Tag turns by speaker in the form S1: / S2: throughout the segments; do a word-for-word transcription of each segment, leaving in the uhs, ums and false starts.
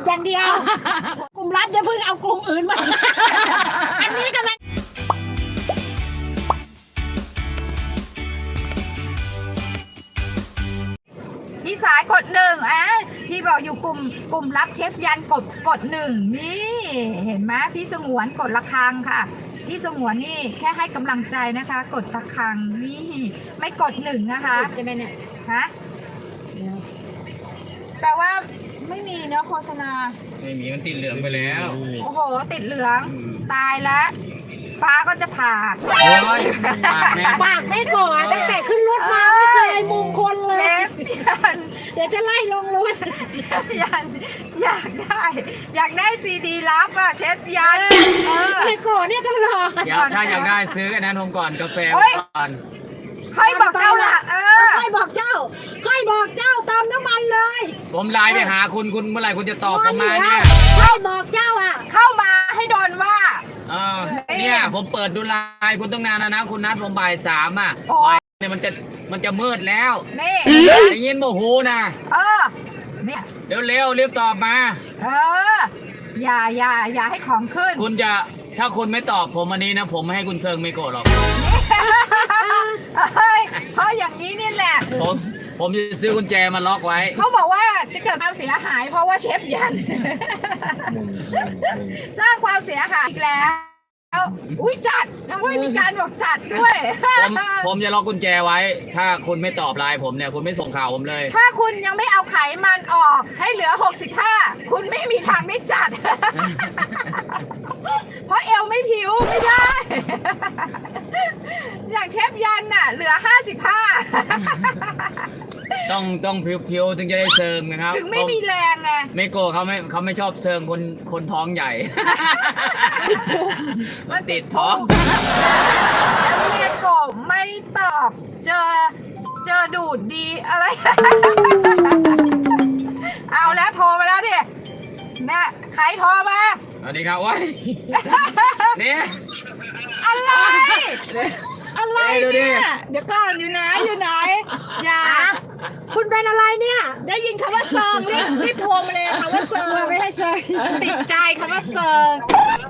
S1: อย่างเดียว กลุ่มลับอย่าเพิ่งเอากลุ่มอื่นมา อันนี้กำลัง
S2: พี่สายกดหนึ่งอ่ะพี่บอกอยู่กลุ่มกลุ่มรับเชฟยันกดกดหนึ่งนี่เห็นไหมพี่สงวนกดระฆังค่ะพี่สงวนนี่แค่ให้กำลังใจนะคะ กดระฆังนี่ไม่กดหนึ่งนะคะ
S1: ใช่ไหมเนี่ย
S2: ฮะแปลว่าไม่มีเนื้อโฆษณา
S3: ไม่มีมันติดเหลืองไปแล้ว
S2: โอ้โหติดเหลืองตายแล้วฟ้าก็จะผ่า
S3: โอ้ยปากแน่
S1: ปากไม่ก่อนตั้งแต่ขึ้นรถมาไม่เคยมงคลเล
S2: เช
S1: ย
S2: ฟยัน
S1: เดี๋ยวจะไล่ลงรถ
S2: เชฟยันอยากได้ อยากได้ซีดีลับอ่ะเชฟยันเออ
S1: ไม่ก่อนเนี่ยตลอด
S3: อยากถ้าอยากได้ซื้ออันนั้นผมก่อนกาแฟ
S2: เฮ้ย
S3: ก่อน
S2: ค่อยบอกเจ้าละเออ
S1: ค่อยบอกเจ้า ค่อยบอกเจ้าเติมน้ำมันเลย
S3: ผมไลน์ไปหาคุณคุณเมื่อไหร่คุณจะตอบผมมาเนี่ย
S1: ค่อยบอกเจ้าอ่ะ
S2: เข้ามาให้โดนว่า
S3: เออเนี่ยผมเปิดดูไลน์คุณต้องนานแล้วนะคุณนัดผมบ่ายสามอ่ะ
S2: โอ้
S3: บ่ายเนี่ยมันจะมันจะมืดแล้ว
S2: นี่
S3: ได้ยินโมโหนะ
S2: เออเนี่ย
S3: เร็วเร็วๆรีบตอบมา
S2: เออ อย่าอย่าอย่าให้ของขึ้น
S3: คุณจะถ้าคุณไม่ตอบผมอันนี้นะผมไม่ให้คุณเซิงไม่โกรธหรอก
S2: เฮ้ยเพราะอย่างนี้นี่แหละ
S3: ผมผมจะซื้อกุญแจมาล็อกไว้
S2: เขาบอกว่าจะเกิดความเสียหาย เพราะว่าเชฟยัน สร้างความเสียหายอีกแล้วอุ้ยจัดทำไมมีการบอกจัดด้วย
S3: ผมผมจะล็อกกุญแจไว้ ถ้าคุณไม่ตอบไลน์ผมเนี่ยคุณไม่ส่งข่าวผมเลย
S2: ถ้าคุณยังไม่เอาไขมันออกให้เหลือหกสิบห้าคุณไม่มีทางได้จัด เพราะเอวไม่ผิวไม่ได้ อย่างเชฟยันน่ะ เหลือห้าสิบห้า
S3: ต้องต้องพิวๆถึงจะได้เซิงนะครับ
S2: ถึงไม่มีแรงไง
S3: ไม่โกเขาไม่เขาไม่ชอบเซิงคนคนท้องใหญ่ มันติดท้อง
S2: แล้วเมียโกบไม่ตอบ เจอ เจอดูดดีอะไร เอาแล้วโทรมาแล้วดิเนี่ยใครโทรมา
S3: สวัสดีครับว้ายนี่
S2: อะไร อะไร
S3: เอ้ยดูดิ
S2: เนี่ยเดี๋ยวก่อนอยู่ไหนอยู่ไหน อย่า
S1: คุณเป็นอะไรเนี่ย
S2: ได้ยินคำว่าเซิงรีบรีบโทรมาเลยคำว่าเซิง
S1: ไม่ให้เซย
S2: ติดใจคำว่าเซิง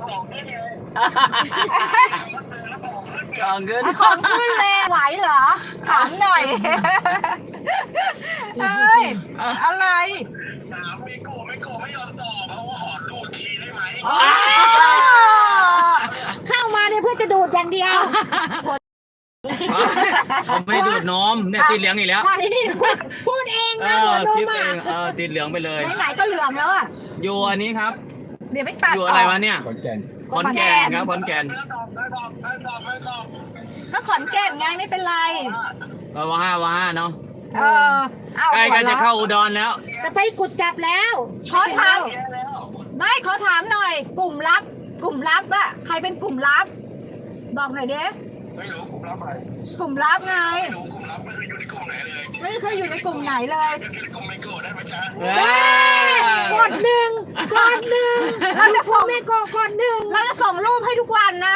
S3: ของขึ้น
S2: ของขึ้นเลยไหวเหรอถามหน่อยเอ้ยอะไร
S4: ถามมิโกะมิโกะไม่ยอมตอบเพราะว่าขอดูดทีได้ไหม
S2: อ๋อ
S1: เข้ามาเนี่ยเพื่อจะดูดอย่างเดียว
S3: ผมไม่ดูดนมเนี่ยติดเหลืองอีกแล้ว
S1: มาที่นี่พูดพูดเอง
S3: เอ
S1: นะหั
S3: อ
S1: วน
S3: คลิ
S1: ม
S3: ปเอ
S1: อ่ะ
S3: งเออติดเหลืองไปเลย
S2: ไหนๆก็เหลือมแล้วอ่ะ
S3: อยู่อันนี้ครับ
S2: เดี๋ยวไม่ตัด
S3: อยู่อะไรวะเนี่ย
S5: ขอนแก่น
S3: ขอนแก่นครับขอนแก่น
S4: ไม่ตอบไม่ตอบไม่ตอบไม่ตอบ
S2: ก็ขอนแก่นไงไม่เป็นไร
S3: เออว่าห้าว่าห้าเนาะ
S2: เออเอา
S3: ใกล้กันจะเข้าอุดรแล้ว
S1: จะไปกุดจับแล้ว
S2: ขอถาม
S4: แย่แล้ว
S2: ไม่ขอถามหน่อย กลุ่มลับ กลุ่มลับอะใครเป็นกลุ่มลับ บอกหน่อยเด้
S4: ไม่รู้กลุ่มรับอะไร
S2: กลุ่มลับไง
S4: ไม่รู้กลุ่มรับไม่เคยอยู่ในกลุ่มไหนเลย
S2: ไม่เคยอยู่ในกลุ่มไหนเลย
S4: อยู่ในกลุ่มมิโกะได้ไหมจ๊ะ
S3: เอ้ย
S1: กดหนึ่งกดหนึ่ง
S2: เราจะส่ง
S1: ไม่กดกดหนึ่ง
S2: เราจะส่งรูปให้ทุกวันนะ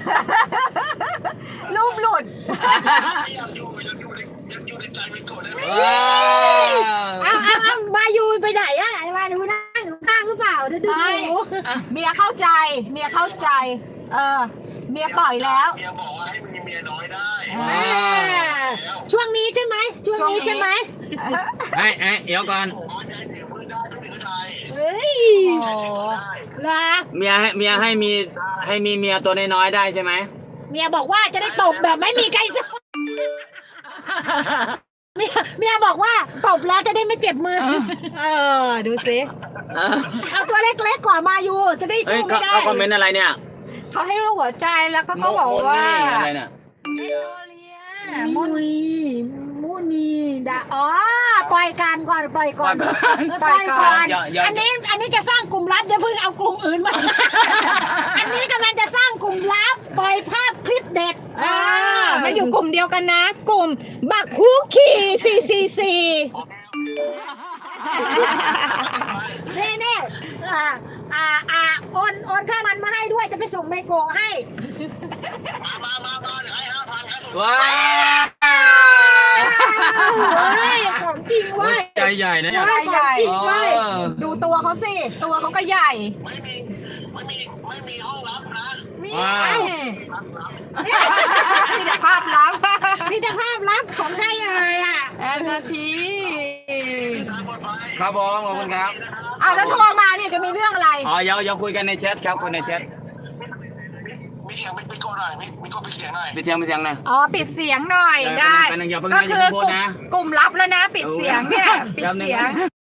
S2: รูปหลุด
S4: อยากอยู่อยากอยู่ในอยากอยู่ในใจมิโกะได้ไหม
S3: ว้าว
S1: เอาเอาเอามายูไปไหนอะมายูนั่งอยู่ข้างหรือเปล่าเดี๋ยวดู
S2: ไม่
S1: หนู
S2: เมียเข้าใจ เมียเข้าใจ เออ เมียปล่อยแล้ว
S4: เมียบอกว่าให้มีเมียน้อยได้
S1: อ่าช่วงนี้ใช่ไหมช่วงนี้ใช่ไหม
S3: ไอ้ไอ้เดี๋ยวก่อน
S4: ผมว่าใจถือมือได้ก็ถือไทย
S1: เฮ้ย
S2: โอ้
S1: นะ
S3: เมียให้เมียให้มีให้มีเมียตัวน้อยๆได้ใช่ไหม
S1: เมียบอกว่าจะได้ตบแบบไม่มีใครสู้เมียเมียบอกว่าตบแล้วจะได้ไม่เจ็บมือ
S2: เออ ดูสิ
S3: เออ
S1: เอาตัวเล็กๆกว่ามายูจะได้
S3: เฮ้ย
S1: สู้
S3: เขา
S1: ไม่ได้
S3: เขาคอมเมนต์อะไรเนี่ย
S2: เขาให้รูปหัวใจแล้วก็เขาบอกว่า
S3: โมนี่อะไรเนี่ย
S1: มุนีมุนีดาอ๋อปล่อยการก่อนปล่อยก่อน
S2: ปล่อยก่อน
S3: อย่าอย่า
S1: อันนี้อันนี้จะสร้างกลุ่มลับอย่าเพิ่งเอากลุ่มอื่นมา อันนี้กำลังจะสร้างกลุ่มลับปล่อยภาพคลิปเด็ด
S2: อ่ามาอยู่กลุ่มเดียวกันนะ กลุ่มบักฮูขี่สี่สี่สี่
S1: เน่เน่อ่าอ่าอ่าโอนโอนค่ามันมาให้ด้วยจะไปส่งไมโกะให้
S4: มามามามาเดี๋ยวให้ห้าพันครับ
S3: ว้าว
S1: เฮ้ยของจริงเว้ย
S3: ใจใหญ่นะเนี่ย
S2: ใหญ่ใหญ่
S3: เออ
S2: ดูตัวเขาสิ ตัวเขาก็ใหญ่
S4: ไม่มีไม่มีไม่มีห้องรับนะ
S2: นี่
S3: ว้าว
S2: มีแต่ภาพลับ
S1: มีแต่ภาพลับของใครเอ่ยอ่ะ
S2: แอนนาที
S4: ทางปลอดภัย
S3: ครับผมขอบคุณครับ
S2: อ้าวแล้วโทรมาเนี่ยจะมีเรื่องอะไร
S3: อ๋อเดี๋ยวเดี๋ยวคุยกันในแชทครับคุยในแชท
S4: มีเสียงมีโก้หน่อยมีมีโก้ปิดเสียงหน่อย
S3: ไปเสียงไปเสียงหน่อย
S2: อ๋อ ปิดเสียงหน่อย
S3: เออ
S2: ได้
S3: เป็นหนึ่งอย่าเพิ่ง
S2: ก็
S3: นะ
S2: คื
S3: อย่า
S2: อ
S3: เพิ่งพู
S2: ก
S3: ด
S2: ลุ่ม
S3: นะ
S2: กลุ่มลับแล้วนะ ปิดเสียงเนี่ย ปิด
S3: แป๊บนึง
S2: เสียง